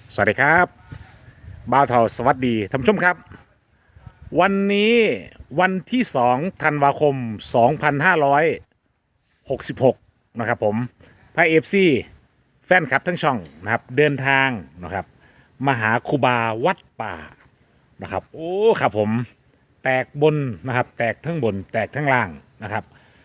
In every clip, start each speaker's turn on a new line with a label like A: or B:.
A: สวัสดีครับบ่าวเทาสวัสดีท่านผู้ชมครับวันนี้วันที่2ธันวาคม2566นะครับผมพระเอฟซีแฟนคลับทั้งช่องนะครับเดินทางนะครับมาหาครูบาวัดป่านะครับโอ้ครับผมแตกบนนะครับแตกทั้งบนแตกทั้งล่างนะครับ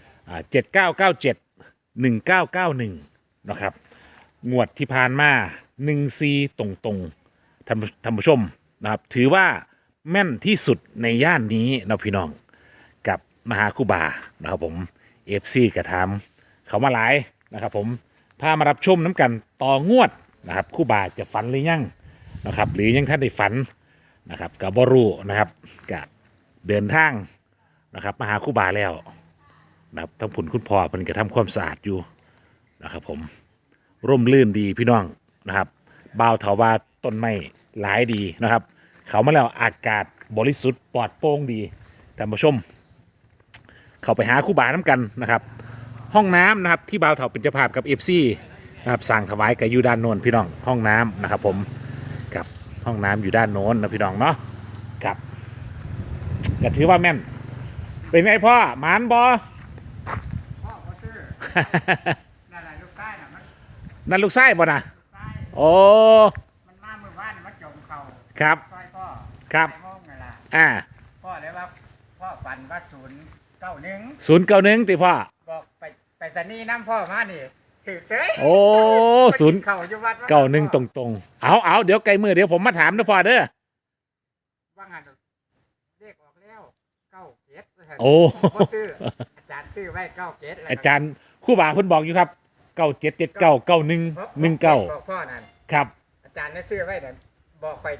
A: 7997 1991นะครับงวดที่ผ่านมา1-4ตรงๆท่านผู้ชมนะครับถือว่าแม่นที่สุดในย่านนี้นะพี่น้องกับมหาคูบานะครับผมเอฟซีกระทำเขามาหลายนะครับผมพามารับชมน้ำกันต่องวดนะครับคูบาจะฝันหรือยังนะครับหรือยังท่านได้ฝันนะครับกับบรูนะครับกับเดินทางนะครับมาหาคูบาแล้วนะครับทั้งผุนคุณพ่อเป็นกระทำความสะอาดอยู่นะครับผมร่มรื่นดีพี่น้องนะครับบ่าวเถาว่าต้นไม้หลายดีนะครับเขามาแล้วอากาศบริสุทธิ์ปลอดโปร่งดีท่านผู้ชมเขาไปหาครูบาน้ำกันนะครับห้องน้ำนะครับที่บ่าวเถาเป็นเจ้าภาพกับเอฟซีนะครับสั่งถวายกับอยู่ด้านโน้นพี่น้องห้องน้ำนะครับผมกับห้องน้ำอยู่ด้านโน้นนะพี่น้องเนาะกับก็ถือว่าแม่นเป็นไงพ่อหมานบอ
B: พ่อก็ซื้อ นั่นแหละลูกใต้น่ะมัน
A: นั่นลูกไส้บ่นะ
B: ใต้
A: โอ้
B: มันมาเมื่อวานมันจมเข่า
A: ครับ
B: ซอยพ่อ
A: ครับ
B: ไปโมงนั่นล่ะ
A: อ่า
B: พ่อเลยว่าพ่อฝันว่า091
A: 091ติพ่อ
B: บอกไปสนีย์น้ำพ่อมานี่ถือเฉย
A: โอ้ศูนย์
B: เข่าอยู่วัด
A: 91ตรงๆเอาเดี๋ยวไกลมือเดี๋ยวผมมาถามนะพ่อเด้อ
B: ว่างานเลขออกแล้ว97
A: โอ้
B: พ่อซื้ออาจารย์ซื้อไว้97แล้ว
A: อาจารย์ครู่บ่าเพิ่นบอกอยู่ครับ97799119
B: บอกพ่อนั่น
A: ครับ
B: อาจารย์ได้ซื้อไว้นั่นบอกไป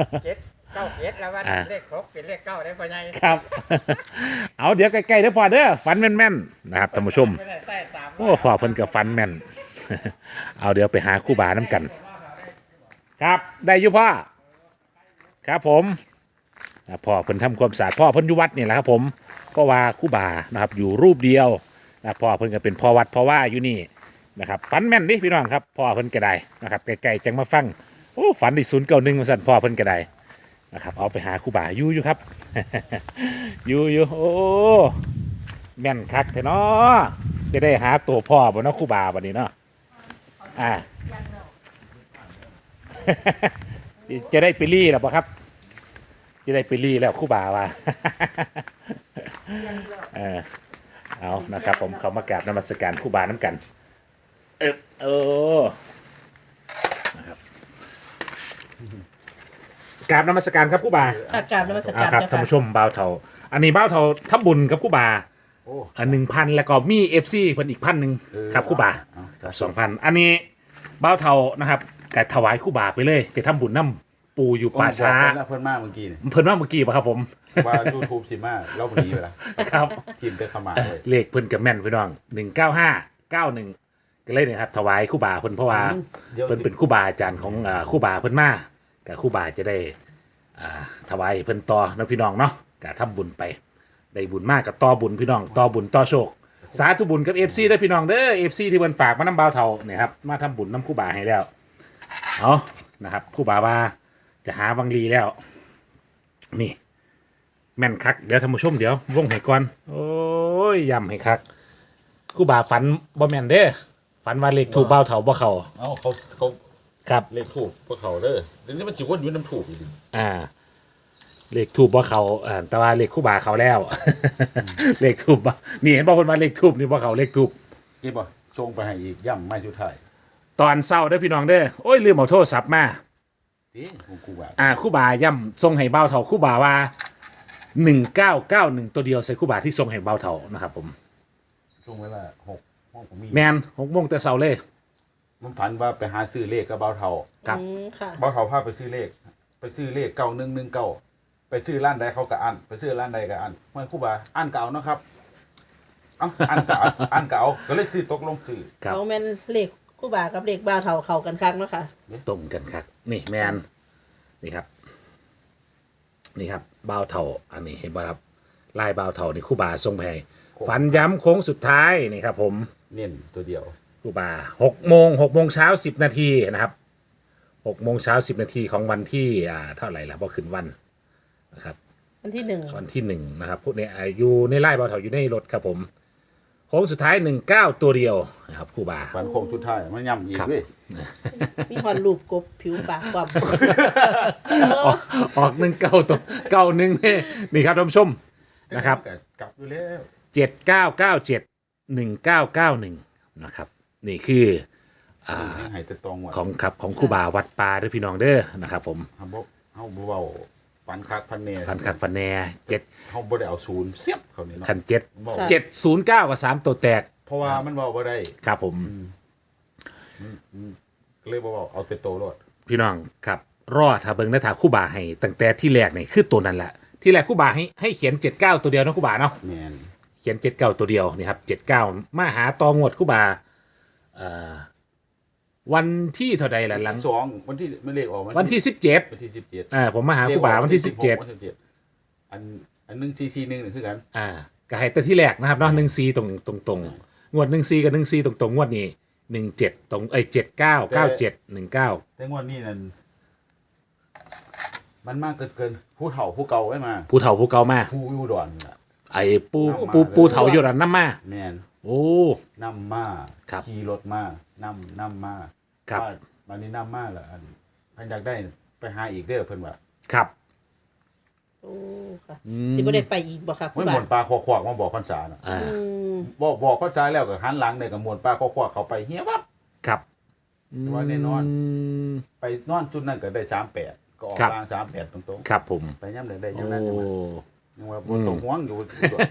B: 97แล้วว่า
A: อ่า
B: เลข6เป็นเลข9ได้พ่อใหญ่
A: ครับ เอาเดี๋ยวใกล้ๆเด้อพ่อเด้อฝันแม่นๆนะครับท่านผู้ชม
B: ไม่ได้ใส่ตาม
A: โอ้พ่อเพิ่นก็ฝันแม่น เอาเดี๋ยวไปหาครู่บ่าน้ำกัน ครับได้อยู่พ่อครับผมพ่อเพิ่นทำความสะอาดพ่อเพิ่นอยู่วัดนี่แหละครับผมก็ว่าครู่บ่านะครับอยู่รูปเดียวนะพ่อเพิ่นก็เป็นพ่อวัดพ่อว่าอยู่นี่นะครับฝันแม่นดิพี่น้องครับพ่อเพิ่นก็ได้นะครับไกลๆจังมาฟังโอ้ฝันที่091ว่าซั่นพ่อเพิ่นก็ได้นะครับเอาไปหาครู่บ่าอยู่ครับ อยู่โอ้แม่นคักแท้เนาะจะได้หาตัวพ่อบ่เนาะครู่บ่าบัดนี้เนาะอ่า จะได้ไปรี่แล้วปะครับ จะได้ไปรี่แล้วครู่บ่าว่า เอานะครับผมเขามากราบนมัสการครู่บาน้ำกันนะครับกราบนมัสการครับครู่บา
C: กราบนมัสการ
A: ครับ
C: เจ้า
A: ท่าน
C: ค่ะ
A: ผู้ชมบ่าวเทาอันนี้บ่าวเทาทำบุญกับครู่บา
D: โอ้
A: 1,000แล้วก็มีเอฟซีเพิ่นอีก1,000ครับครู่บา 2,000อันนี้บ่าวเทานะครับก็ถวายครู่บาไปเลยจะทำบุญน้ำปูอยู่ป่าช้า
D: เพิ่นมากเมื่อกี้นี่
A: เพิ่นว่าเมื่อกี้ป่ะครับผม
D: ว่า YouTube สิมาเล่าพอดีไปละ
A: ครับ
D: ทีมเตะขมาเลย
A: เลขเพิ่นกับแม่นพี่น้อง19591ก็เลยเนี่ยครับถวายครู่บาเพิ่นเพราะว่าเพิ่นเป็นครู่บาอาจารย์ของครู่บาเพิ่นมากับครู่บาจะได้ถวายเพิ่นต่อนะพี่น้องเนาะก็ทำบุญไปได้บุญมากกับต่อบุญพี่น้องต่อบุญต่อโชคสาธุบุญกับ FC ได้อพี่น้องเด้อ FC ที่เพิ่นฝากมานำบ่าวเฒ่าเนี่ยครับมาทำบุญนำครู่บาให้แล้วเอานะครับครู่บาว่าจะหาวังลีแล้วนี่ แม่นคักเดี๋ยวท่านผู้ชมเดี๋ยววงให้ก่อนโอ้ยย้ำให้คักครู่บ่าฝันบ่แม่นเด้อฝันว่าเลขถูกเบ้าเถาบ่เข้า
D: เอ้าเขา
A: ครับ
D: เลขถูกพวกเขาเด้อเดี๋ยวนี้มันจิวนอยู่น้ำถูกอยู่ดิ
A: เลขถูกบ่เข้าแต่ว่าเลขครู่บ่าเข้าแล้ว เลขถูกบ่นี่เห็นบ่เพิ่นว่าเลขถูกนี่บ่เข้าเลขถูก
D: นี่บ่ชงไปให้อีกย่ำไม่สุดท้าย
A: ตอนเช้าเด้อพี่น้องเด้อโอ้ยลืมเอาโทรศัพท์มา
D: ทีของกูว่า
A: ครู่บ่าย้ำส่งให้เบ้าเถาครู่บ่าว่า1991ตัวเดียวใส่ครู่บ่าที่ส่งให้เบ้าเถานะครับผม
D: ช่วงเวลา6ห้องผมมี
A: แม่น6:00แต่เช้าเลย
D: มันฝันว่าไปหาซื้อเลขกับเบาเทา
A: ครับ
C: ค่ะ
D: เบาเทาพาไปซื้อเลข9119ไปซื้อร้านใดเขาก็อันไปซื้อร้านใดก็อันเมื่อครู่บ่าอันเก่าเนาะครับเอ้าอันเก่าอันเก่าก็เลยซื้อตกลงซื้อ
A: ครับ
C: เขาแม่นเลขคู่บ่ากับเลขบ่าวเท่าเข้ากันคักเนาะค่ะ
A: ตรงกันครับนี่แมนนี่ครับนี่ครับบ่าวเถาอันนี้เห็นบ่ครับลายบ่าวเถานี่ครู่บาทรงแพงฝันย้ำโค้งสุดท้ายนี่ครับผม
D: เน้นตัวเดียว
A: ครู่บา6 โมงเช้า10 นาทีนะครับ 6 โมงเช้า 10 นาทีของวันที่เท่าไหร่ล่ะพอขึ้นวันนะครับ
C: วันที่หนึ่ง
A: วันที่1นะครับพวกนี้อยู่ในไล่เบาเถาอยู่ในรถครับผมโค้งสุดท้าย 19 ตัวเดียวนะครับครูบา
D: ฟันโค้งสุดท้ายมันย่ำอีก
A: ครับ
D: เว้ย
C: มีหอนรูปกบผิวปากความ
A: ออก19ตัว91นี่ครับท่านผู้ชมนะครับ
D: กลับอยู่แล้ว
A: 7997 1991นะครับนี่คือ
D: ให้แต่ตองว่ะ
A: ของครูบาวัดป่าเด้อพี่น้องเด้อนะครับผม
D: เฮาบ่เว้าฟันคักฟันแน่
A: ฟันคักฟันแน่7
D: เฮาบ่ได้เอาศูนย์เสียบเขานี่เนาะ
A: คัน
D: บอก
A: 7 709กับ3ตัวแตก
D: เพราะว่ามันเว้าบ่ได้
A: ครับผม
D: ก็เลยบ่เว้าเอาเป็นโตโลด
A: พี่น้องครับรอถ้าเบิ่งในถาครู่บาให้ตั้งแต่ที่แรกนี่คือตัวนั้นแหละที่แรกครู่บาให้เขียน79ตัวเดียวนะครู่บาเนาะ
D: แม่น
A: เขียน79ตัวเดียวนี่ครับ79มาหาตองวดครู่บาวันที่เท่าใดล่ะหลัง
D: 2วันที่ไม่เลขออก
A: วันที่17
D: วันที่17
A: ผมมาหาครู่บาวันที่
D: วันที่17อัน144นี่คือกัน
A: 17ก็ให้แต่ที่แรกนะครับเนาะ14ตรงงวด14กับ14ตรงงวดนี้17ตรง79 97 19
D: แต่งวดนี้นั่นมันมากเกินผู้เฒ่าผู้เก่าไว้มา
A: ผู้เฒ่าผู้เก่ามา
D: ผู้อยู่ดอนนี่ล่ะ
A: ไอ้ปูเฒ่าอยู่นั่นนำมา
D: แม่น
A: โอ้
D: นำมา
A: ครับ
D: ขี่รถมานำมา
A: ครับ
D: วันนี้นำมาแล้วอันเพิ่นอยากได้ไปหาอีกเด้อเพิ่นว่า
A: ครับ
C: โอ้ค่ะสิบ่ได้ไปอีกบ่ค่ะคุ
D: ไม่
C: ณ
D: ห
C: บาม
D: วนปลาคอขวากมาบอกพรรษาน่ะ
A: อ่า
C: อืม
D: บอกพรรษาแล้วก็หันหลังเนี่ยก็มวนปลาคอขวากเขาไปเฮียวับ
A: ครับ
D: แต่ว่าแน่นอน
A: ม
D: ไปนอนจุดนั้นก็ได้38ก็ออก
A: ครับ
D: กลาง38ตรง
A: ครับผม
D: ๆไปย่ำได้
A: โอ้
D: ย่ำนั้นยังว่าบ่ต้องห่วงอยู่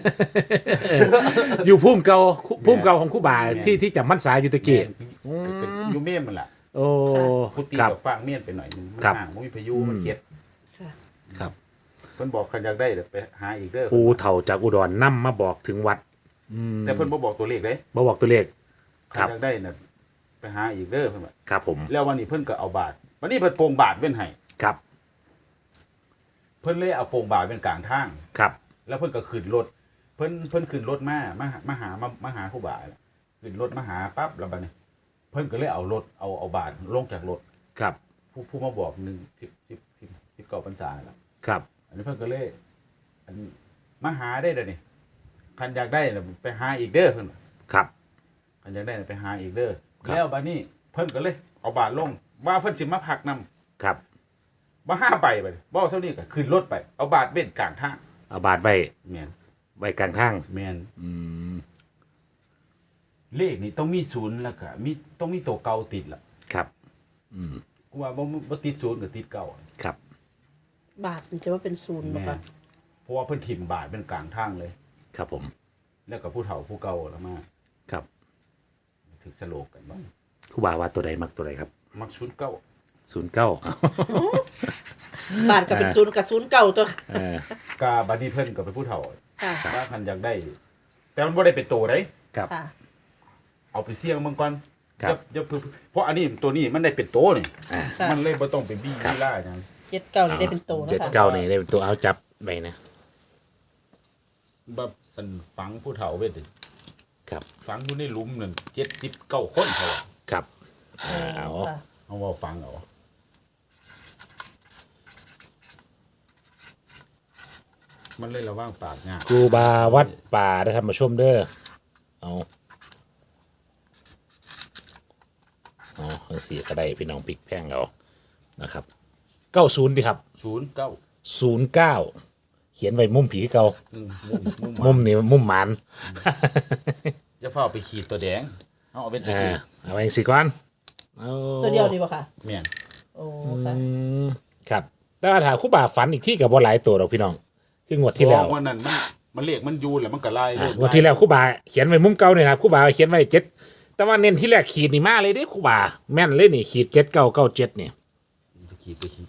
A: อยู่พุ่มเก่าของครู่บ่าที่จำมันสายอยู่ตะกี้
D: อยู่เมมมันล่ะ
A: โอ้
D: พุตี
A: ครับ
D: กับฟางเมียนไปหน่อยนึงมัน
A: ครับ
D: ห่างมันมีพายุมันเจ็ด
C: ค่ะ
A: ครับ
D: เพิ่นบอกคันอยากได้เดี๋ยวไปหาอีกเด้อ
A: ปูเฒ่าจากอุดรนำมาบอกถึงวัด
D: แต่เพิ่นบ่บอกตัวเลขเด้
A: บ่บอกตัวเลข ค
D: คั
A: รั
D: น
A: บ
D: อยากได้น่ะไปหาอีกเด้อเพิ่นว่า
A: ครับผม
D: แล้ววันนี้เพิ่นก็เอาบาทวันนี้เพิ่นโปรงบาทเว้นให้
A: ครับ
D: เพิ่นเลยเอาโปรงบาทเป็นกลางทาง
A: ครับ
D: แล้วเพิ่นก็ขึ้นรถเพิ่นขึ้นรถมาหาครูบาขึ้นรถมาหาปั๊บแล้วบัดนี้เพิ่นก็เลยเอารถเอาบาทลงจากรถ
A: ครับ
D: ผู้มาบอก19พรรษาแล้ว
A: ครับ
D: อันนี้เพิ่นก็เลยอันมาหาได้เด้อนี่คันอยากได้น่ะไปหาอีกเด้อเพิ่นว่า
A: ครับ
D: คันอยากได้น่ะไปหาอีกเด้อ
A: ครับ
D: แล้วบัดนี้เพิ่นก็เลยเอาบาทลงว่าเพิ่นสิมาพักนำ
A: ครับ
D: บ่ห้าใบไปบ่เท่านี้ก็ขึ้นรถไปเอาบาทเว้นกลางทาง
A: เอาบาทไว้
D: แม่น
A: ไว้กลางทาง
D: แม่น
A: อืม
D: เลขนี่ต้องมีศูนย์แล้วก็ต้องมีตัวเก่าติดล่ะ
A: ครับ
D: กูว่าบ่ติดศูนย์ก็ติดเก่า
A: ครับ
C: บาทมันจะว่าเป็นศูนย์บ่
D: แม่
C: ค่ะ
D: นเพราะว่าเพิ่นถิ่มบาทเป็นกลางทางเลย
A: ครับผม
D: แล้วก็ผู้เฒ่าผู้เก่าแล้วมา
A: ครับ
D: ถึกสโลกกันบ้าง
A: ครู่บ่าว่าตัวใดมักตัวใดครับ
D: มักศูนย์เก่า
A: 09
C: บาทก็เป็นศูนย์กับศูนย์เก่าตัว
D: กาบัดนี้เพิ่นก็เป็นผู้เฒ่า
C: ค่ะ
D: ว่าคันอยากได้ แต่มันบ่ได้เป็นโตได้
A: ครับ
C: ค่ะ
D: เอาไปเสี่ยงเบิ่งก่อน
A: ครับ
D: อย่าเพราะอันนี้ตัวนี้มันได้เป็นโตนี่
A: อ่า
D: มันเลยบ่ต้องไปบี้บี้ล่าหยัง
C: 79นี่ได้เป็นโตนะ
A: เจ็ด
C: คะ
A: เก้านี่ได้เป็นตัวเอาจับไปนะ
D: แบบเป็นฝังผู้เฒ่าไว้ดิ
A: ครับ
D: ฝังอยู่ในหลุมนั่น79คนเขาว่า
A: ครับเอา
C: ค่ะ
D: เอาว่าฟังเอามันเลยระว่างปากยาก
A: ครูบาวัดป่าได้ทำมาชมเด้อเอาทั้งสี่ก็ได้พี่น้องปิกแพงเอานะครับ90ดีครับ
D: 09
A: 09เขียนไว้มุมผีเก่า
D: มุม
A: นี่มุมหมัน
D: จะเฝ้าไปขีดตัวแดงเอาเป็นตัวขีด
A: เอาไว้สิก่อนเอา
C: ตัวเดียวดีบ่ค่ะ
D: แม่น
C: โอ้ค่ะ
A: ครับแต่ว่าถ้าครูบาฝันอีกที่กับบ่หลายตัวหรอกพี่น้องคืองวดที่แล้ว
D: เพราะวันนั้นมันเรียกมันยูนแหละมันก็ไล่เลย
A: งวดที่แล้วครูบาเขียนไว้มุมเก่าเนี่ยครับครูบาเขียนไว้7แต่ว่าเน้นที่แรกขีดนี่มาเลยเด้ครูบาแม่นเลยนี่ขีด7997นี่
D: ขีดไปขีด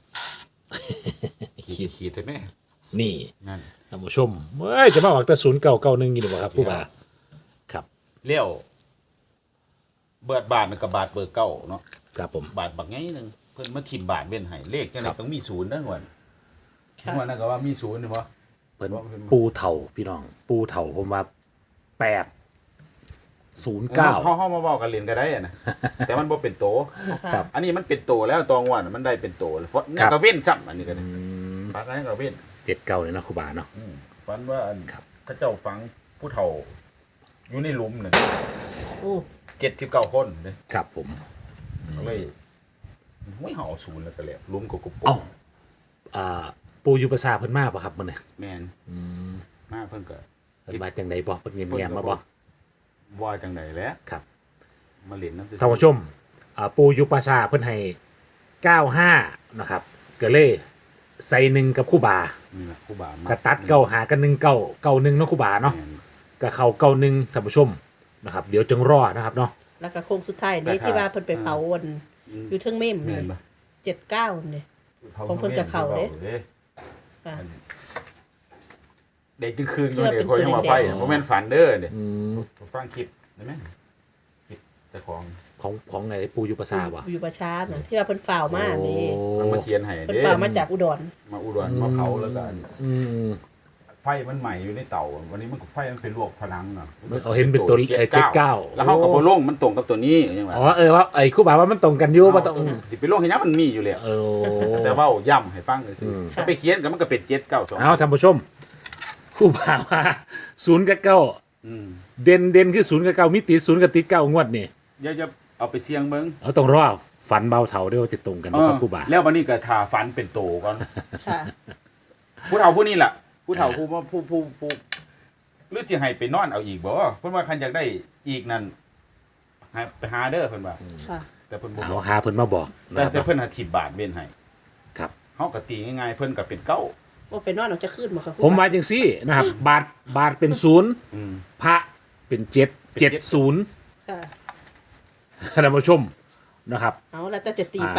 D: ขีดใช่ไหม
A: นี่
D: นั่น
A: ท่านผู้ชมเฮ้ยจะมาออกแต่0991อยู่บ่ครับครูบาครับ
D: เลี้ยวเบิดบาทมันกับบาทเบอร์เก้าเนาะ
A: ครับผม
D: บาทบักไงนึงเพิ่นมาถิ่มบาทเว้นให้เลขจังได๋ต้องมีศูนย์เด้อก่อน
C: ค่ะ
D: ว่านั่นก็ว่ามีศูนย์นี่บ่
A: เพิ่นปูเถ่าพี่น้อง ปูเถ่าผมว่า8 09
D: เฮามาเว้ากันเล่นก็ได้อะนะ แต่มันบ่เป็นโต
A: ครับ
D: อันนี้มันเป็นโตแล้วตองว่ามันได้เป็นโตแล้วเนี่ยก็เว้นซ้ำอันนี้ก็ได้ปากนั้นก็เว้น
A: 79เลยเนาะครูบาเนาะ
D: ฝันว่าอัน
A: ครับ
D: เขาเจ้าฝังผู้เฒ่า อยู่ในหลุมน่ะ
C: โอ้
D: 79คนเด้
A: ครับผม
D: ก็เลยไม่เห่าศูนย์แล้วก็เลยหลุมก็กุบ
A: เอ้าปูอยู่ประสาเพิ่นมาบ่ครับมื้อนี้
D: แม่นมาเพิ่นก็
A: เพิ่นมาจังไดบ่เพิ่นเงียบๆมาบ่
D: ว่าจังไดแหล้ว
A: ครับ
D: มาเล่นน้ำ
A: ท่านผู้ชมปูอยู่ประสาเพิ่นให้95นะครับก็เลยใส่หนึ่งกับครูบา
D: นี่ล่ะครูบามา
A: ก็ตัดเก้าหากัน19 91เนาะครูบาเนาะ
D: แม่น
A: ก็เข้า91ท่านผู้ชมนะครับเดี๋ยวจึงรอนะครับเนาะ
C: แล้วก็โค้งสุดท้ายนี่ที่ว่าเพิ่นไปเผาวันอยู่เทิงเม่ม
D: แม่
C: นี่
D: นบ่
C: 79นี่ ของเพิ่นกับเขาเด้ ค่ะ
D: เด็กจึงคืนอยู่เดี๋ยวคนยังมาไฟบ่แม่นฝันเด้อเด้ฟังคลิปได้ไหมคลิปเจ้าของ
A: ของไอ้ปูอยู่ประสาบ่
C: อยู่ประชาน่ะที่ว่าเพิ่นฝ่าวมานี่
D: มันมาเขียนให้
C: เพิ่น
D: เด้
C: ฝ่าวมาจากอุดร
D: มาอุดรมาเผาแล้วก็
A: อืม
D: ไฟมันใหม่อยู่ในเตาวันนี้มันก็ไฟมันเป็นลวกพลังเนาะ
A: เอาเห็นเป็นตัว79
D: แล้วเขาก็บ่ลงมันตรงกับตัวนี้ยังไง
A: อ๋อว่าไอ้ครูบาว่ามันตรงกันอยู่บ่ต้อง
D: สิไปลงให้ยังมันมีอยู่แล้ว
A: เออ
D: แต่ว่าย่ำให้ฟังซื่อๆถ้าไปเขียนก็มันก็เป็น792
A: เอาท่านผู้ชมครูบาว่า0กับ9
D: อืม
A: เด่นคือ0กับ9มิติ0กับติด9งวดนี่
D: อย่าเอาไปเสี่ยงเบิ่ง
A: เอาต้องรอฝันเบาเถาด้วยว่าจะตรงกันบ่ครับครูบา
D: แล้ววันนี้ก็ทาฟันเป็นโตก่อน
C: ค่ะ
D: ผู้เฒ่าผู้นี้ล่ะผู้เฒ่าผู้หรือสิให้ไปนอนเอาอีกบ่เพิ่นว่าคันอยากได้อีกนั่นให้ไปหาเด้อเพิ่นว่า
C: ค่ะ
D: แต่เพิ่นบ่
A: เอา
D: บอก
A: หาเพิ่นมาบอกนะ
D: แต่
A: ครับ
D: เพิ่นหา10 บาทเว้นให้
A: ครับ
D: เฮาก็ตีง่ายๆเพิ่นก็เป็นเก้า
C: ว่าไปนอนออกจะขึ้นบ่ครับ
A: ผมว่าจังซี่นะครับ บาทเป็น0
D: อืม
A: พระเป็น7 70
C: ค่ะ
A: ท่านผู้ชมนะครับ
C: เอาแล้วแต่จะตีไป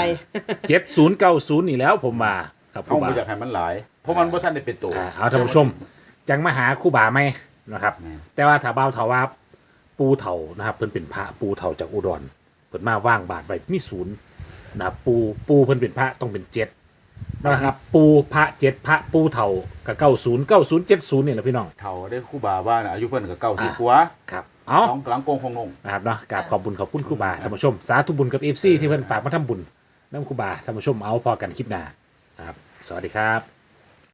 A: 7090นี่แล้วผมว่าครับค
D: เฮา
A: รูบา
D: บ่อยากให้มันหลาย เพราะมันบ่ทันได้เป็นโต
A: เอาท่านผู้ชม จังมาหาครูบาไหมนะครับ
D: แม่น
A: แต่ว่าถ้าเบาเถาว่าปูเถานะครับเพิ่นเป็นพระปูเถาจากอุดรเพิ่นมาว่างบาทไว้มีศูนย์นะครับปูเพิ่นเป็นพระต้องเป็น7นะครับ ปูพระ7พระปูเถากับ9070นี่แหละพี่น้อง
D: เฒ่าได้ครูบาว่าน่ะอายุเพิ่นก็90กว่า
A: ครับเอา
D: น้องกลางโกงคงนง
A: นะครับเนาะกราบขอบคุณครูบาท่านผู้ชม สาธุบุญกับ FC ที่เพิ่นฝากมาทำบุญน้ำครูบาท่านผู้ชมเอาพอกันคลิปหน้านะครับสวัสดีครับ